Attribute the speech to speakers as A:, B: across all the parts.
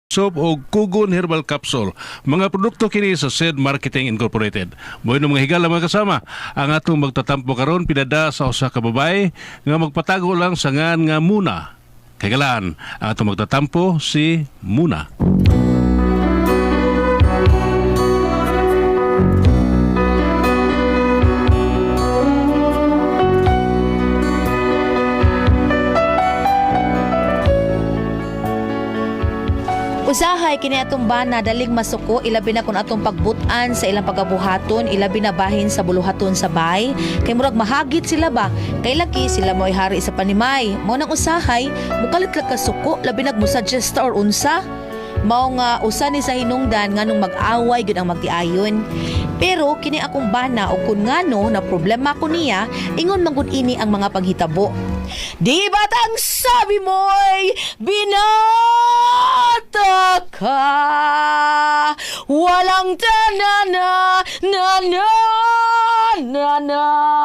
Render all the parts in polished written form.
A: soap o Kugon Herbal Capsule. Mga produkto kini sa SED Marketing Incorporated. Moy mga higala mga kasama, ang atong magtatampo karon pinada sa usa ka babae nga magpatago lang sa ngan nga Muna. Kagalaan, ang atong magtatampo si Muna.
B: Usahay kini atong bana daling masuko, ilabi na kun atong pagbutan sa ilang pagabuhaton, ilabi na bahin sa buluhaton sa bay. Kay murag mahagit sila ba? Kay laki sila mo'y hari sa panimay. Mao nang usahay, mukalit lang ka suko, labi nagmusuggest or unsa. Mao nga usa ni sa hinungdan nganong mag-away gyud ang magtiayon. Pero kini akong bana o kun ngano na problema ko niya, ingon man gud ini ang mga paghitabo. Di ba't ang sabi mo'y binata ka? Walang tanana, nana, nana,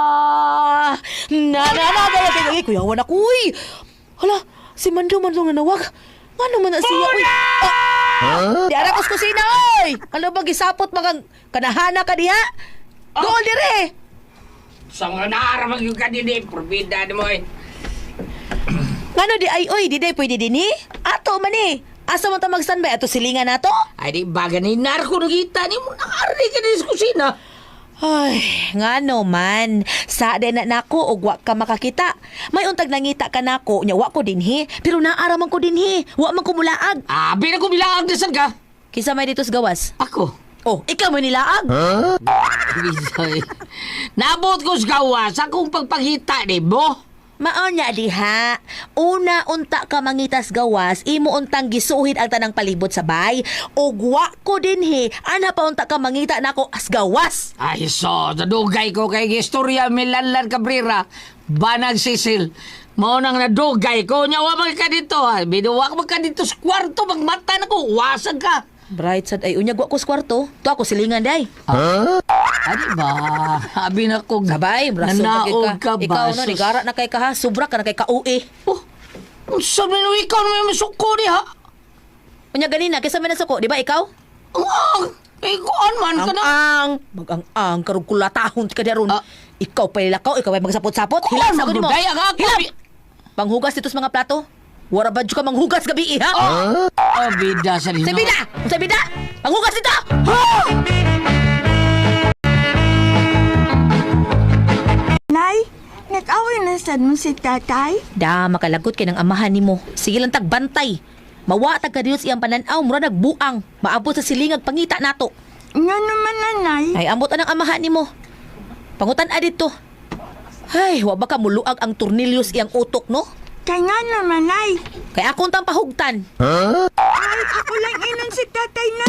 B: nana, nana, kuyawan ako, uy! Hala, si Mando nga nawag. Ano man na siya, uy? Di arakos kusina, oy! Ano ba, gisapot magang kanahana ka diha? Doon dire!
C: Sa nga naaramag yung kanini, probida mo eh.
B: Ngano di ay, oy, di day pwede din eh? Ato man eh! Asa mo ta mag-standby? Ato silingan na to?
C: Ay di baga ni narko nakita ni mo nakarinig ka din sa kusina.
B: Ay, ngano man. Sa din na nako og wa ka makakita. May untag nangita ka nako, nya wa ko dinhi, pero naaraman ko dinhi. Wa man ko mulaag.
C: Abi na ko bilaag na saan ka?
B: Kisa may dito sa gawas.
C: Ako.
B: Oh, ikaw may nilaag.
C: Bisoy. Nabot ko sa gawas akong pagpangita ni mo.
B: Mao nya diha. Una unta ka mangitas gawas, imo untang gisuhid ang tanang palibot sa bay. Og wa ko dinhi, ana pa unta ka mangita nako as gawas.
C: Ay so, nadugay ko kay Historia Milanlan Cabrera. Banag Sisil. Mao nang nadugay ko. Nyawa mag ka dito ha. Binuwa ka mag ka dito sa kwarto. Magmata na ko. Wasag ka.
B: Bright sad ay unyag wa ko sa kwarto. To ako silingan day.
C: Adi ba? Abi na ko.
B: Sabay, braso
C: Nanaog ka ba?
B: Ikaw no, nigara na kay ka ha. Sobra ka na kay ka-uwi.
C: Oh, sabi mo ikaw naman masuko di ha?
B: Unya ganina, kaysa may nasuko, di ba ikaw?
C: Ikuan man ka na.
B: Magang-ang, karong kulatahon ka daron.
C: Ah.
B: Ikaw pa lakaw, ikaw ay magsapot-sapot. Hilak sa ko mo.
C: Magduday ang ako.
B: Hilak! Panghugas dito sa mga plato. Wara ba ka manghugas gabi, ha?
C: Bida sa rin.
B: Sa bida! Sa bida! Panghugas dito!
D: Nay, nag-away na sad mo si tatay?
B: Da, makalagot kay ng amahan ni mo. Sige lang tagbantay. Mawatag ka diyos iyang pananaw, mura nagbuang. Maabot sa silingag pangita nato.
D: Nga naman nanay.
B: Ay, amot ang amahan ni mo. Pangutan adito. Ay, wa ba ka muluag ang tornilyos iyang utok, no?
D: Kaya nga naman nay.
B: Kay akong tang pahugtan.
D: Ay, ako lang inon si tatay na.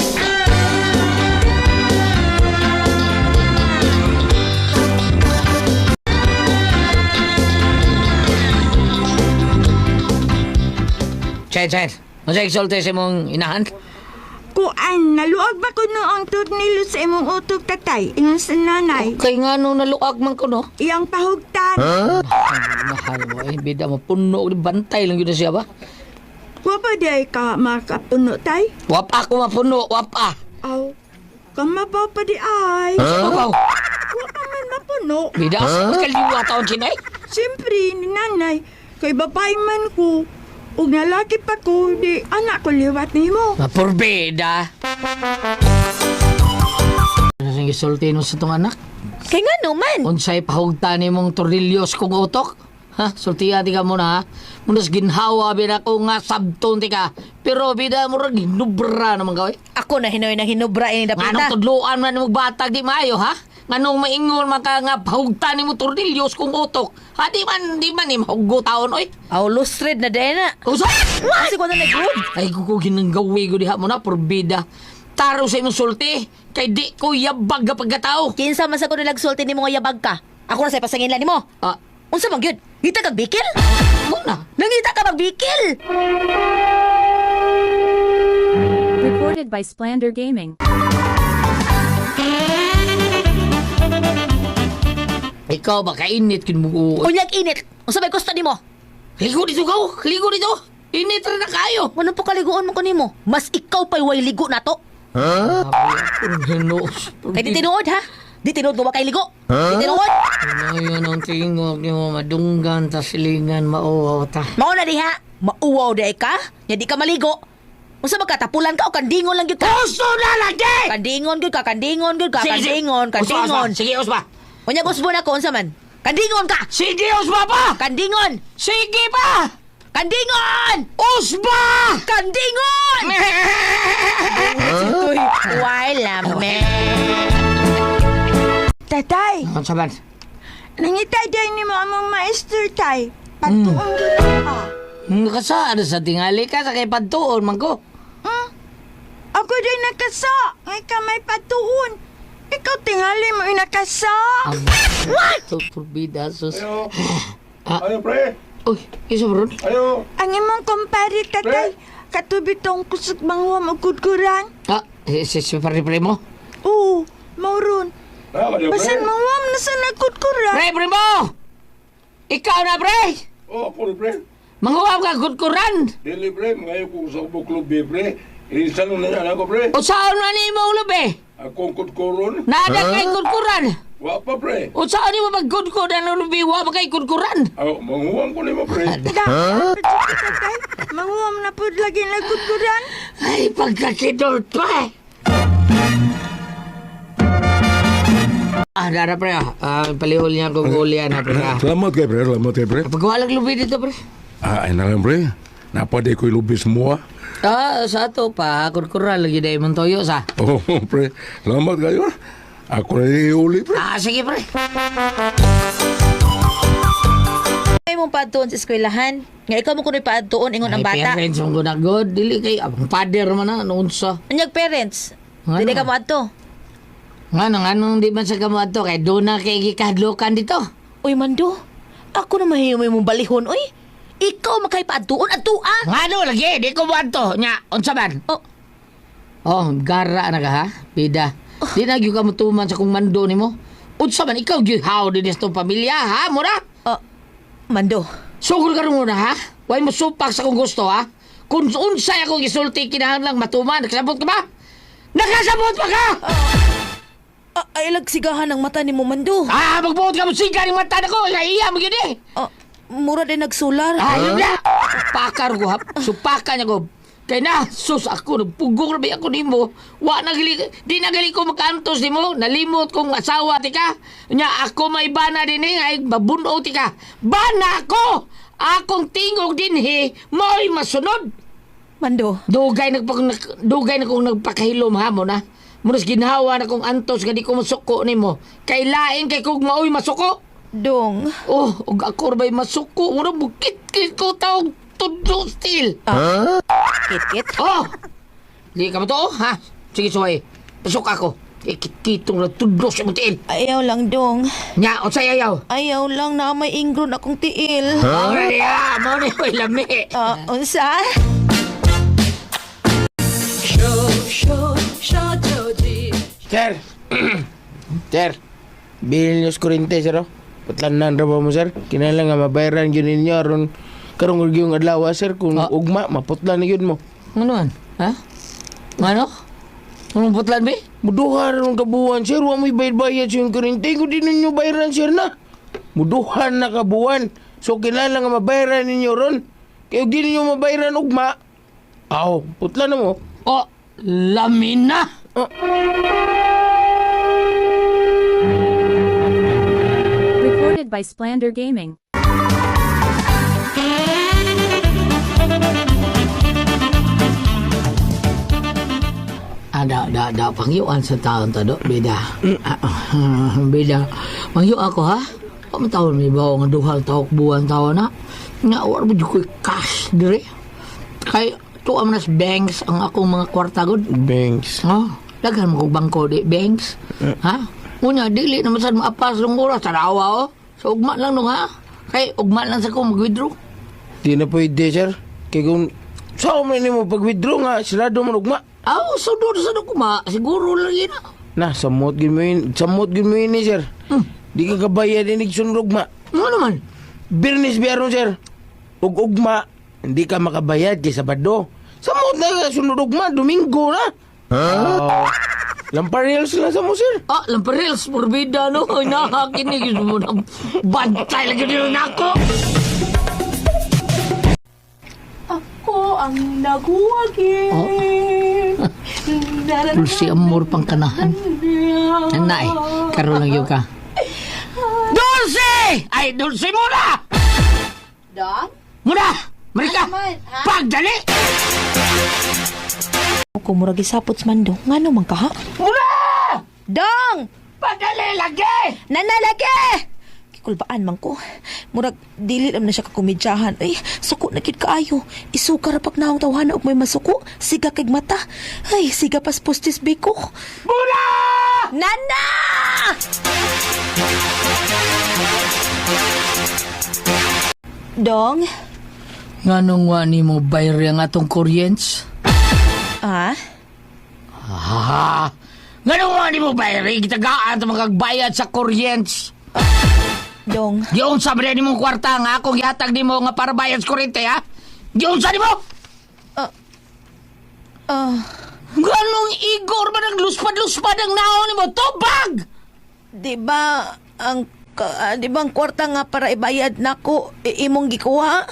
C: Chen. Masay exalte sa mong inahan?
D: Kuan, naluag ba ko noong turnilo sa imong utok tatay? Ingon sa nanay.
C: Okay nga nung naluag man ko, no?
D: Iyang pahugtan.
C: Mahal mo eh. Bida mo, puno. Bantay lang yun na siya ba?
D: Wa pa di ka makapuno tay?
C: Wapa ko mapuno, wapa.
D: Aw, kamabaw pa di ay.
C: Wow.
D: Wa pa man mapuno.
C: Bida, mas kaliwa taon sinay.
D: Siyempre, ni nanay, kay babae man ko. Ug nalaki pa ko, di anak ko liwat ni mo.
C: Mapurbida. Ano sing gisulti no sa tong anak?
B: Kay nga naman.
C: Unsay pahugtan ni mong tornilyos kong utok? Ha? Sultiya ti ka muna ha? Munas ginhawa bida ko nga sabton ti ka. Pero bida mo rin ginubra naman gawin.
B: Ako na hinoy na hinubra ini
C: Nga nung
B: dapita.
C: tudloan man ng batag di maayo ha? Nga nung maingon maka nga pahugtan ni mo tornilyos kong utok. Ha? Di man ni mahugo taon oy.
B: Aw, lustred na din na.
C: Usa?
B: Kasi ko na nag-good.
C: Ay kukugin ng gawi ko diha mo na porbida. Taro sa imong sulti. Kay di ko yabag ka pagkatao.
B: Kinsa man sa ko nilagsulti ni mga yabag ka. Ako na sa pasanginlan ni mo.
C: Ah,
B: Unsa man gyud? Ngita kag bikil?
C: muna.
B: Nangita ka magbikil?
E: Recorded by Splander Gaming.
C: Ikaw ba kainit kin mo?
B: Unyag init. Unsa may gusto nimo?
C: Ligo dito ka. Ligo dito. Init rin na kayo.
B: Ano pa kaliguan mo kanimo? Mas ikaw pa'y way ligo na to. Kay di tinuod ha? Di tinuod mo ba kay ligo? Di tinuod?
C: Ngayon ang tingog niyo, madunggan, tasilingan, mauwaw ta.
B: Mao na diha. Mauwaw di ka? Nya di ka maligo. Unsa ba ka tapulan ka o kandingon lang gyud ka?
C: Gusto na lagi!
B: Kandingon gyud ka, kandingon gyud ka, kandingon, kandingon.
C: Sige, Usba.
B: Unya gusto na ko unsa man? Kandingon ka.
C: Sige, Usba pa!
B: Kandingon.
C: Sige pa!
B: Kandingon!
C: Usba!
B: Kandingon! Uy, wala me.
D: Tatay,
C: Ang saban.
D: nangitay day ni mo among maester tay. Patuong kita.
C: Nakasaan sa tingali ka sa kay Pantuon, mangko.
D: Ako day nakasa. Ngay ka may patuon. Ikaw tingali mo inakasa.
C: What? Turbida, sus.
F: Ayo, pre.
C: Uy, isa bro.
F: Ayo.
D: Ang imong kumpare tatay. Katubi tong kusog mangwa magkudkuran.
C: Si pare-pre mo?
D: Oo, mauron.
F: Nah, ayo,
D: Basan
F: pre.
D: mangwa na sa nagkudkuran.
C: Pre mo! Ikaw na, pre!
F: Oh, ako, pre.
C: Manguwag ka, gudkuran!
F: Dili, pre. Ngayon ko sa ubok club, pre. Irisan na yan ako, pre.
C: O saan na ni mo ulo, be?
F: Akong kutkuron.
C: Nada kay gudkuran!
F: Wa pa, pre.
C: O saan ni mo mag-gudkuran ulo, be? Wa ba kay gudkuran?
F: Aw, manguwang ko ni mo, pre.
D: Da, tatay. Mangwa na po lagi nagkudkuran.
C: Ay, pagkakidol to, eh! Dara, pre, palihol niya kung ulian, ha, pre, ha?
F: Selamat kay, pre. Selamat kay, pre.
C: Pagwalag lubi dito, pre.
F: Ay na lang, pre. Napade ko'y lubi semua.
C: Sa ato pa, gudkuran lagi dahil mong toyo, sa?
F: Oh, pre. Selamat kayo. Ako na iuli, pre.
C: Sige, pre.
B: Ay mong paadtoon sa eskwelahan. Nga ikaw mo kuno'y paadtoon ingon ang bata.
C: Ay, parents, ang gunagod. Dili kay, abang pader man na, noon sa.
B: Anyag parents.
C: Ano?
B: Dili ka mo adto.
C: Anong di man sa kamuha to, kay doon na kay gikadlokan dito.
B: Uy, Mando. Ako na mahimay mong balihon, uy. Ikaw makay paadtoon adto ah.
C: Ano lagi, di ko buwan to. Nya, unsa man?
B: Oh,
C: Gara na ka ha, bida. Di na gyud ka mutuman sa kung mando nimo. Unsa man, ikaw gyud how din sa tong pamilya, ha, mura?
B: Mando.
C: Sugol ka rin muna, ha? Huwag mo supak sa kung gusto, ha? Kung unsay ako gisulti, kinahanglang matuman. Nakasabot ka ba? Nakasabot pa ka!
B: Ay lagsigahan ang mata ni mo, Mando.
C: Magbuot ka mo siga ng mata na ko. Iya mo yun eh.
B: Mura din nagsular.
C: Ayun na! Pakar ko, ha? Supakan niya ko. Kaya na, sus ako, nagpugong rabi ako ni mo. Di nagali ko makantos ni mo. Nalimot kong asawa, tika. Nya, ako may bana din eh. Ay, babuno, tika. Bana ko! Akong tingog din eh. Mo'y masunod.
B: Mando.
C: Dugay na kong nagpakahilom, ha mo na. Munas ginawa na kong antos, gadi ko masuko ni mo. Kay laing kay kong maoy masuko.
B: Dong.
C: Og ako ba'y masuko. Mura bukit-kit ko taong tudlo still.
B: Kit-kit.
C: Di ka ba to, ha? Sige, suway. Pasok ako. Ikit-kitong na tudlo sa mutiil.
B: Ayaw lang, Dong.
C: Nya, o sayayaw.
B: Ayaw lang na may ingron akong tiil.
C: Ay, mo ni ko'y lami.
B: Unsa?
G: Sir! Sir! Bilhin niyo kurente, sir, oh. Patlanan ra ba mo, sir? Kinala nga mabayaran yun ninyo aron karong yung adlaw, sir. Kung ugma, maputlan na yun mo.
C: Ano man? Ha? Ano? Anong putlan, be?
G: Muduhan ron kabuwan, sir. Wa mo'y bayad-bayad sa yung kurente. Kung di ninyo bayaran, sir, na. Muduhan na kabuwan. So, kinala nga mabayaran ninyo ron. Kaya di ninyo mabayaran ugma, putlan na mo.
C: Lamin na!
E: Recorded by Splander Gaming.
C: Pangyuan sa taon ta do, bida. Bida. Pangyu ako, ha? Pamataon may bawa nga duhal tawak buwan taon na. Nga, wala mo ko cash, dire. Kay, tuwa nas banks ang akong mga kwarta god.
G: Banks.
C: Daghan mo kong bangko di, banks. Ha? Unya, dili naman sa maapas ng oras. Tarawa, So, ugma lang nung, ha? Kay, ugma lang sa kong mag-withdraw.
G: Di na pwede, sir. Kaya kung saan mo mo pag-withdraw nga, silado mo ugma.
C: So doon sa kuma, siguro lang yun, ha?
G: Na, samot gin mo yun, sir. Di ka kabayad inig sunrog ma.
C: Ano naman?
G: Birnis biyaron, sir. Ug ugma, hindi ka makabayad kay Sabado. Samot na sunod ugma, Domingo na. Lamparils lang sa mo, sir.
C: Lamparils, porbida, no? Ay, nakakinig mo na. Bantay lagi nyo na ako.
D: Ako ang naguwagin.
C: Dulce amor pang kanahan. Nanay, karoon lang yun ka. Dulce! Ay, Dulce muna!
B: Dong?
C: Muna! Marika! Pagdali!
B: Kung murag isapot sa Mando, nga naman ka ha?
C: Muna!
B: Dong!
C: Pagdali lagi!
B: Nanalagi! Kikulbaan man ko. Murag, dili lang na siya kakumidyahan. Ay, suko na kid kaayo. Isuka ra pag naong tawhana og may masuko. Siga kay mata. Ay, siga pas postis biko.
C: Muna!
B: Nana! Dong?
C: Nganong wani mo bayri ang atong kuryents?
B: Ah?
C: Nganong wani mo bayri? Gitagaan ito magagbayad sa kuryents.
B: Dong?
C: Giyon sa ba ni mong kwarta nga akong gihatag ni mo nga para bayad sa kuryente, ha? Giyon sa ni mo? Ganong igor ba ng luspad-luspad ang naon ni mo? Tubag!
B: Di ba ang kwarta nga para ibayad nako imong gikuha?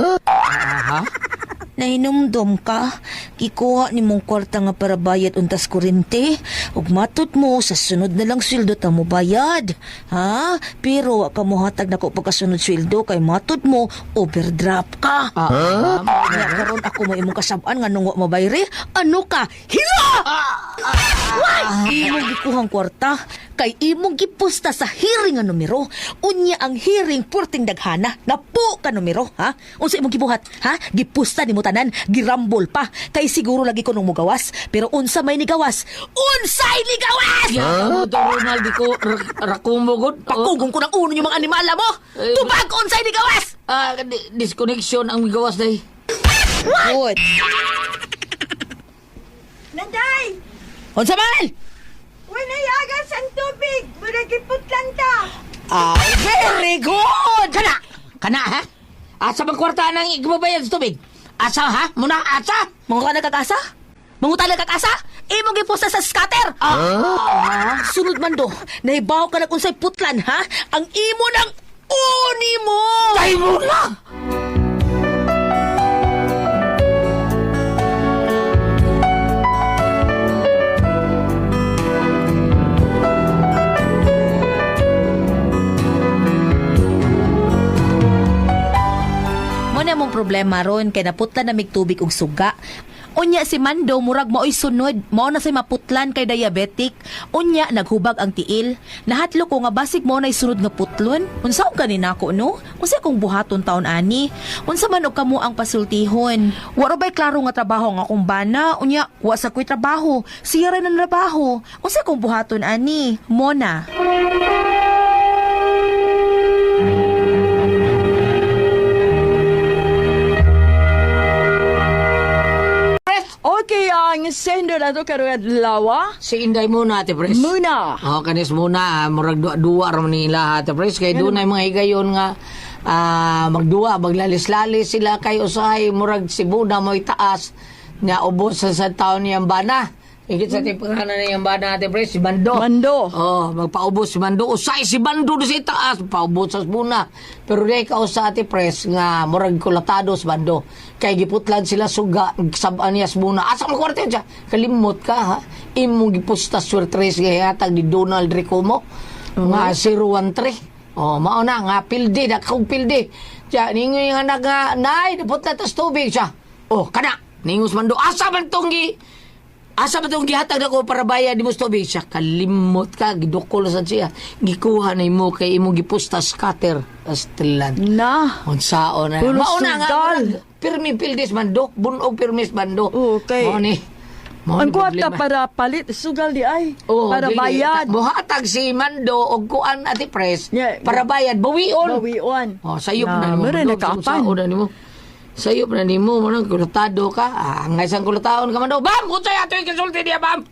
B: Nahinumdom ka, gikuha ni mong kwarta nga para bayad untas kurente. Ug matud mo sa sunod na lang sweldo ta mo bayad. Ha? Pero wa ka mo hatag nako pagkasunod sweldo kay matud mo overdraft ka. Nga karon ako mo imong kasab-an nga nung wa mabayri. Ano ka? Hira! Imong gikuhang kwarta kay imong gipusta sa hearing nga numero. Unya ang hearing purting daghana na po ka numero, ha? Unsa imong gibuhat, ha? Gipusta nimo tanan, girambol pa. Kay siguro lagi ko nung mugawas, pero unsa may nigawas? Unsay nigawas?
C: Ano to, Ronald? Di ko rakumugod.
B: Pakugong ko ng uno yung mga animala mo. Tubag unsay nigawas?
C: Disconnection ang migawas day.
B: What?
D: Nanday!
B: Unsa man?
D: Wala yagas ang tubig! Muragiputlan ta!
B: Very good!
C: Kana, ha? Asa bang kwarta nang igbabayad sa tubig? Asa, ha? Muna, asa?
B: Mga ka nagkakasa? Mangutala kag-asa? Imong giposta sa scatter. Sunod man do, nahibaw ka na kung sa'y putlan, ha? Ang imo ng uni mo!
C: Tay mo na!
B: Muna mong problema ron, kay naputlan na mig tubig og suga. Unya si Mando, murag mao'y sunod. Mao na say maputlan kay diabetic. Unya, naghubag ang tiil. Nahatlo ko nga basig mo na'y sunod nga putlon. Unsaon ka ninako, no? Unsa kong buhaton taon ani? Unsa man og kamo ang pasultihon? Waro ba'y klaro nga trabaho nga akong bana? Unya, wa sa ko'y trabaho. Siya rin ang trabaho. Unsa kong buhaton ani? Mona.
D: Okay, ang sender na to karoon lawa.
C: Si Inday muna, Ate Pres.
D: Muna.
C: Kanis muna. Murag dua raman nila, Ate Pres. Kaya doon ay mga higayon nga magduwa, maglalis-lalis sila kay usahay. Murag Sibuna mo'y taas nga ubos sa taon niyang bana. Higit sa tipanganan niyang bana, Ate Pres, si Bando.
D: Mando.
C: Magpaubos si Bando. Usay si Bando doon sa taas. Paubos sa Sibuna. Pero di ka usa, Ate Pres, nga murag kulatado si Bando. Kay giputlan sila suga, saban niya Sibuna. Asa mo kwarto siya? Kalimot ka, ha? Imong gipusta suertres gayatag ni Donald Ricomo. Nga 013. Mao na nga pildi, dakong pildi. Siya, ningoy nga nay, naputla tas tubig siya. Kana, ningos Bando. Asa ba itong gihatag na ko para bayad di mo sa tubig siya? Kalimot ka, gidukol sa siya. Gikuha na mo kay imong gipusta scatter. Astilan.
D: Na.
C: Unsaon na.
D: Pulo
C: Mauna nga.
D: sugal.
C: Pirmi pildis Bando. Bunog pirmis Bando.
D: Okay.
C: Mao ni.
D: Ang kwarta para palit, sugal di ay. Para bayad.
C: Buhatag si Mando o kuan Ate Pres.
D: Yeah.
C: Para bayad. Bawion.
D: Bawiwan.
C: Sayop na ni mo.
D: Meron na kapan.
C: Sayop na ni mo. Manang kulotado ka. Ang isang kulotaon ka Mando. Bam! Kutsay ato yung kasulti niya, Bam!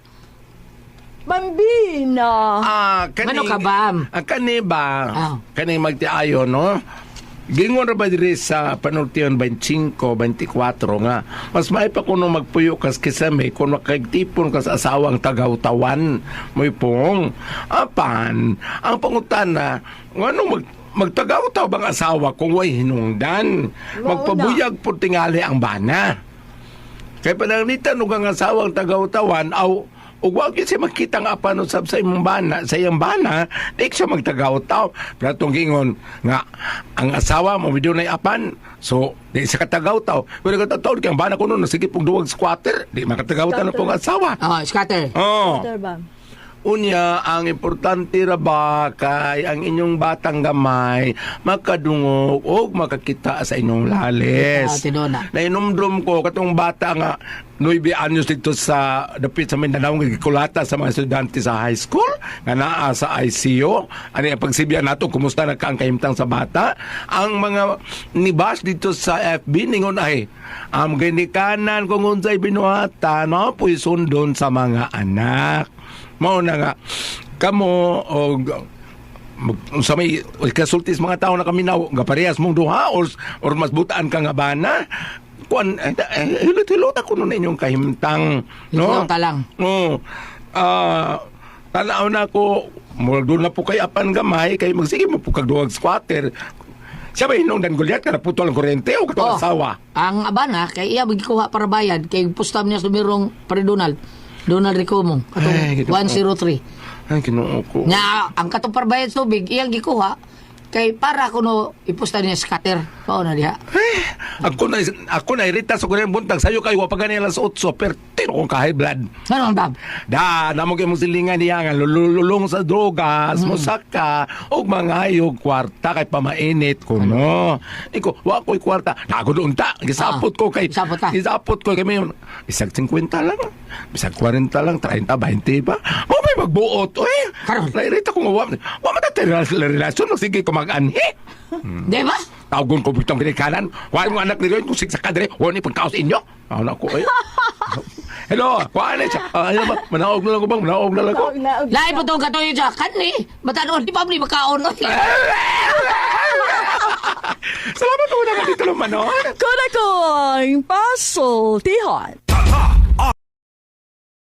D: Bambina.
C: Ano ka, Bam?
F: Kani ba? Kani magtiayo, no?
G: Gingon ra ba diri sa panultian 25, 24 nga mas may pa kuno magpuyo kas kisame kung makagtipon kas asawang tagaw-tawan mo'y pong apan ang pangutana nganong magtagaw-taw bang asawa kung way hinungdan magpabuyag po tingali ang bana kay pananglitan ug ang asawang tagaw-tawan aw ug wag gyud siya makita nga apan usab sa imong bana, sa iyang bana, di siya magtagaw-taw. Pero itong gingon nga ang asawa mo video na apan, so di siya katagaw-taw. Pero katataw kay ang bana ko noon sige pug duwag squatter, di makatagaw-taw na pong asawa.
C: Scatter.
G: Oh. Unya, ang importante ra ba kay ang inyong batang gamay makadungog o makakita sa inyong lalis.
C: Tinona.
G: Nainumdum ko katong bata nga 9 anyos dito sa dapit sa Mindanao nga gikulata sa mga estudyante sa high school nga naa sa ICU. Ano ang pagsibyan nato kumusta na kaang kahimtang sa bata? Ang mga nibas dito sa FB ningon ay ginikanan kung unsay binuhatan no puy sundon sa mga anak. Mao na nga kamo og sa may kasultis mga tao na kami na parehas mong duha or mas butaan ka nga bana kuan hilot-hilot ako nun inyong kahimtang no
C: Hilot lang.
G: no tanaw na ko doon na po kay apan gamay kay magsige mo po kagduwag squatter siya ba hinungdan gulyat ka naputol ang kuryente o katong asawa
C: Ang abana, kay iya magikuha para bayad, kay pustam niya sumirong pare Donald Ricomo,
G: Ay,
C: katong
G: gito.
C: 103.
G: ay kinuo ko
C: Nya, ang katong para bayad tubig, iyang gikuha, kay para kuno ipusta niya scatter. Pao na diha.
G: ako na irita sa kuryente buntag sayo kayo wapagani alas 8 pero tiro kong ka-high blood
C: Ano bab?
G: namo kay mong silingan niya nga lululong sa drogas musaka og mga hayog kwarta kay pamainit ko no iko wa ko'y kwarta nago doon ta gisapot ko kay gisapot ko kay may isag 50 lang bisag 40 lang 30 20 pa mo may magbuot
C: Karon.
G: nairita ko wa matatira relasyon sige ko mag-anhi
C: Di ba?
G: tawgon ko bitong kinikanan wa mo anak ni Ron kung sigsa kadre wa ni pagkaos inyo anak ko hello kuan siya ano ba manaog na lang ko bang manaog na lang ko
C: Lain po itong katoy siya, kanni, matanoon, di pa mo makaon.
G: Salamat po na dito naman, no?
H: Korakong pasultihan.